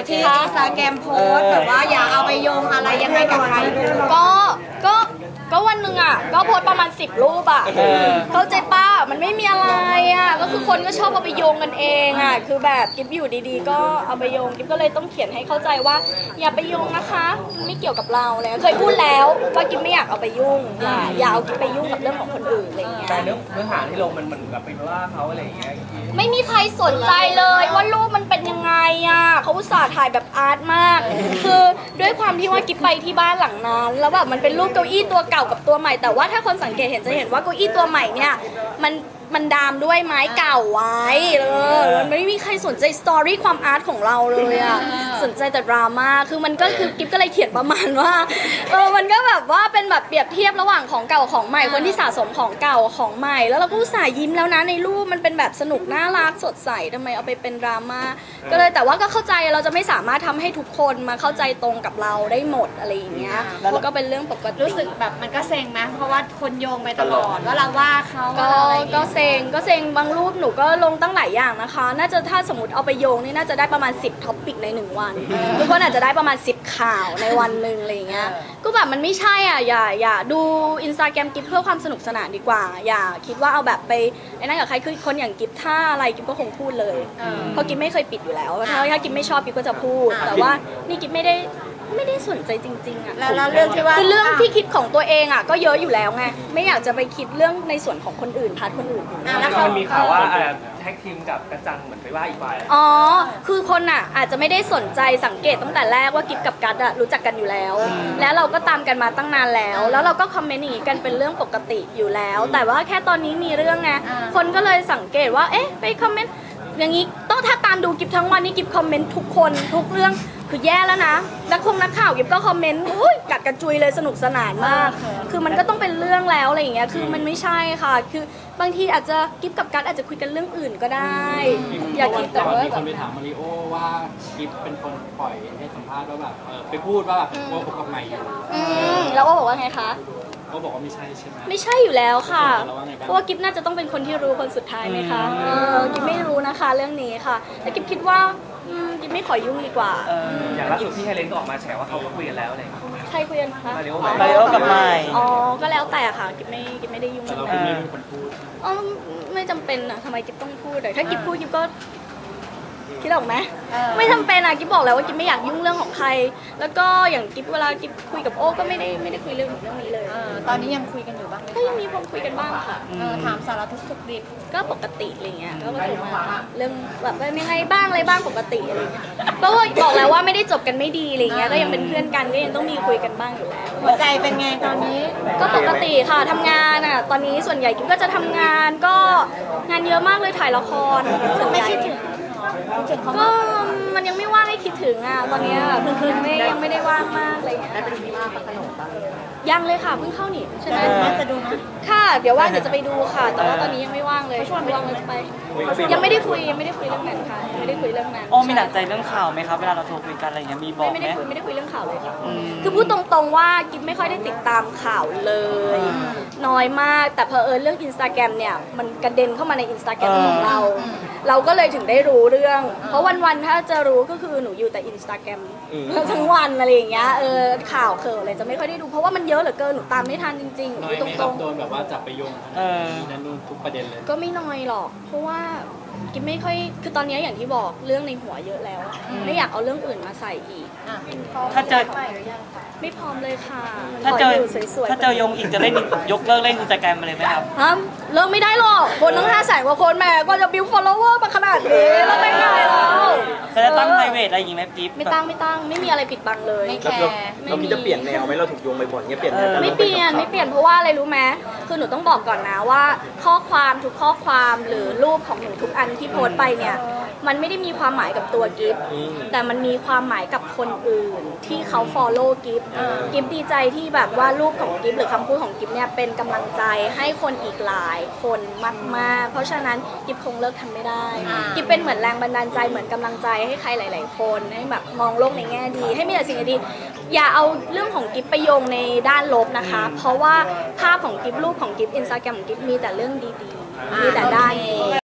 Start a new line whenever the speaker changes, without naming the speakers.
ที่อินสตาแกรมโพสแบบว่าอย่าเอาไปโยงอะไรยังไงกับใคร
ก็วันหนึ่งอ่ะก็โพสประมาณ10 รูปอ่ะเข้าใจป้ามันไม่มีอะไรอ่ะก็คือคนก็ชอบเอาไปโยงกันเองอ่ะคือแบบกิ๊บอยู่ดีๆก็เอาไปโยงกิ๊บก็เลยต้องเขียนให้เข้าใจว่าอย่าไปโยงนะคะมันไม่เกี่ยวกับเราเลยเคยพูดแล้วว่ากิ๊บไม่อยากเอาไปยุ่งอย่าเอากิ๊บไปยุ่งกับเรื่องของคนอื่นอะไรเงี้ย
แต่เนื้อหาที่ลงมันเหมือนกับไปว่าเขาอะไรอย่างเงี้ย
ไม่มีใครสนใจเลยว่ารูปมันเป็นยังไงอ่ะเขาอุตส่าห์ถ่ายแบบอาร์ตมากคือด้วยความที่ว่ากิ๊บไปที่บ้านหลังนั้นแล้วแบบมันเป็นรูปเก้าอี้ตัวเก่ากับตัวใหม่แต่ว่าถ้าคนสังเกตเห็นจะเห็นว่าเก้าอี้ตัวใหม่เนี่ยมันดามด้วยไม้เก่าไว้มันไม่มีใครสนใจสตอรี่ความอาร์ตของเราเลยอ่ะสนใจแต่ดราม่าคือมันก็คือกิ๊บก็เลยเขียนประมาณว่ามันก็แบบว่าเป็นแบบเปรียบเทียบระหว่างของเก่าของใหม่คนที่สะสมของเก่าของใหม่แล้วเราก็อุตส่าห์ยิ้มแล้วนะในรูปมันเป็นแบบสนุกน่ารักสดใสทำไมเอาไปเป็นดราม่าก็เลยแต่ว่าก็เข้าใจเราจะไม่สามารถทำให้ทุกคนมาเข้าใจตรงกับเราได้หมดอะไรอย่างเงี้ยแล้วก็เป็นเรื่องปกติ
รู้สึกแบบมันก็เซ็งไหมเพราะว่าคนโยงไปตลอดว่าเราว่าเขา
ก็เซ็งบางรูปหนูก็ลงตั้งหลายอย่างนะคะน่าจะถ้าสมมติเอาไปโยงนี่น่าจะได้ประมาณ10ท็อปปิกใน1วันทุกคนอาจจะได้ประมาณ10ข่าวในวันหนึ่งอะไรอย่างเงี้ยก็แบบมันไม่ใช่อ่ะอย่าดูอินสตาแกรมกิ๊บเพื่อความสนุกสนานดีกว่าอย่าคิดว่าเอาแบบไปไอ้นั่นกับใครคือคนอย่างกิ๊บถ้าอะไรกิ๊บก็คงพูดเลยเพราะกิ๊บไม่เคยปิดอยู่แล้วถ้ากิ๊บไม่ชอบกิ๊บก็จะพูดแต่ว่านี่กิ๊บไม่ได้สนใจจริงๆอ่ะ
แล้วเรื่องที่ว่า
คือเรื่องที่คิดของตัวเองอ่ะก็เยอะอยู่แล้วไงไม่อยากจะไปคิดเรื่องในส่วนของคนอื่นพาร์ทคนอื่น
แล้วมันมีข่าวว่าแท็กทีมกับกระจังเหมือนไปว่าอีกฝ่าย
คือคนอ่ะอาจจะไม่ได้สนใจสังเกตตั้งแต่แรกว่ากิ๊บกับกัดรู้จักกันอยู่แล้วแล้วเราก็ตามกันมาตั้งนานแล้วเราก็คอมเมนต์อย่างนี้กันเป็นเรื่องปกติอยู่แล้วแต่ว่าแค่ตอนนี้มีเรื่องไงคนก็เลยสังเกตว่าเอ๊ะไปคอมเมนต์อย่างนี้ต้องถ้าตามดูกิ๊บทั้งวันนี้กิ๊บคอมเมนต์ทุกคนทุกเรื่องคือแย่แล้วนะนักข่าวกิ๊บก็คอมเมนต์กัดกระจุยเลยสนุกสนานมากคือมันก็ต้องเป็นเรื่องแล้วอะไรอย่างเงี้ยคือมันไม่ใช่ค่ะคือบางทีอาจจะกิ๊บกับกัดอาจจะคุยกันเรื่องอื่นก็ได้อย่าคิดแต่ว่า
มีคนไปถามมาริโอว่ากิ๊บเป็นคนปล่อยให้สัมภาษณ์ว่าแบบไปพูดว่าแบบโกหกกับใหม่อยู่
แล้วก็บอกว่าไงคะ
ก็บอกว่าไม่ใช่ใช่ไหม
ไม่ใช่อยู่แล้วค่ะเพราะว่ากิ๊บน่าจะต้องเป็นคนที่รู้คนสุดท้ายไหมคะกิ๊บไม่รู้นะคะเรื่องนี้ค่ะแต่กิ๊บคิดว่ากิ๊บไม่ขอยุ่งดีกว่า
อย่างล่าสุดพี่ไฮเลนก็ออกมาแฉว่าเขาคุยกันแล้วอะไร
ใครคุยกันคะ
มาริโอ
กับไมค์
ก็แล้วแต่ค่ะกิ๊บไม่ได้ยุ่ง
แต่เราไม่เป็นคนพูด
ไม่จำเป็นอะทำไมกิ๊บต้องพูดถ้ากิ๊บพูดกิ๊บก็คิดออกไหมไม่จำเป็นอะกิ๊บบอกแล้วว่ากิ๊บไม่อยากยุ่งเรื่องของใครแล้วก็อย่างกิ๊บเวลากิ๊บคุยกับโอ้ก็ไม่ได้คุยเรื่องนี้เลย
ตอนนี้ยังคุยกันอยู่บ้างไหม
ก็ยังมีคนคุยกันบ้างค่ะ
ถามสารทุกข์สุขดิบ
ก็ปกติอะไรเงี้ยก็โทรมาเรื่องแบบเป็นยังไงบ้างอะไรบ้างปกติอะไรเงี้ยก็บอกแล้วว่าไม่ได้จบกันไม่ดีอะไรเงี้ยก็ยังเป็นเพื่อนกันก็ยังต้องมีคุยกันบ้างอยู่แล้ว
หัวใจเป็นไงตอนนี้
ก็ปกติค่ะทำงานอะตอนนี้ส่วนใหญ่กิ๊บก็จะทำงานก็งานเยอะมากเลยถ่ายละครส่วนใหญ่ก็มันยังไม่ว่างให้คิดถึงอ่ะตอนนี้ยังไม่ได้ว่างมากอะไรเงี้ยยังเลยค่ะเพิ่งเข้านี่ใช่ไหม
จะดูนะ
ค่ะเดี๋ยวว่างเดี๋ยวจะไปดูค่ะแต่ว่าตอนนี้ยังไม่ว่างเลยช่วงว่างเลยจะไปยังไม่ได้คุยเรื่องนั้นค่ะไม่ได้คุยเรื่องนั้น
มีหนักใจเรื่องข่าวไหมครับเวลาเราโทรคุยกันอะไรอย่างเงี้ยมีบอกไหม
ไม่ได้คุยเรื่องข่าวเลยค่ะคือพูดตรงๆว่ากิ๊บไม่ค่อยได้ติดตามข่าวเลยน้อยมากแต่เผอิญเรื่อง Instagram เนี่ยมันกระเด็นเข้ามาใน Instagram ของเราก็เลยถึงได้รู้เรื่องเพราะวันๆถ้าจะรู้ก็คือหนูอยู่แต่ Instagram ทั้งวันอะไรอย่างเงี้ยข่าวอะไรจะไม่ค่อยได้ดูเพราะว่ามันเยอะเหลือเกินหนูตามไม่ทันจริงๆ
น้อยไหมครับโดนแบบว่าจับไปโยงนั่นนู่นทุกประเด็นเลย
ก็ไม่น้อยหรอกเพราะว่ากิ๊บไม่ค่อยคือตอนนี้อย่างที่บอกเรื่องในหัวเยอะแล้วไม่อยากเอาเรื่องอื่นมาใส่อีก
ถ้าเจอ
ไม่พร้อมเลยค่ะ
ถ้าเจอยงอีกจะเล่นยกเลิกเล่นอินสตาแกรมมาเลยไหมครับ
เลิกไม่ได้หรอกคนทั้ง500,000 กว่าคนแม่ก็จะบิว follower มาขนาดนี้แล้วไม่ไงแล้ว
จะตั้ง private อะไรอย่างงี้ไหมกิ๊บ
ไม่ตั้งไม่มีอะไรปิดบังเลย
ไม่แคร์
เราคิดจะเปลี่ยนแนวไหมเราถูกโยงบ่อยๆเงี้ยเปลี่ยน
ไม่เปลี่ยนเพราะว่าอะไรรู้ไหมคือหนูต้องบอกก่อนนะว่าข้อความทุกข้อความหรือรูปของหนูทุกอันที่โพสต์ไปเนี่ยมันไม่ได้มีความหมายกับตัวกิฟแต่มันมีความหมายกับคนอื่นที่เขา follow กิฟดีใจที่แบบว่ารูปของกิฟหรือคำพูดของกิฟเนี่ยเป็นกำลังใจให้คนอีกหลายคนมากๆเพราะฉะนั้นกิฟคงเลิกทำไม่ได้กิฟเป็นเหมือนแรงบันดาลใจเหมือนกำลังใจให้ใครหลายๆคนให้แบบมองโลกในแง่ดีให้มีแต่สิ่งดีอย่าเอาเรื่องของกิฟไปโยงในด้านลบนะคะเพราะว่าภาพของกิฟรูปของกิฟอินสตาแกรมของกิฟมีแต่เรื่องดีๆมีแต่ด้านดี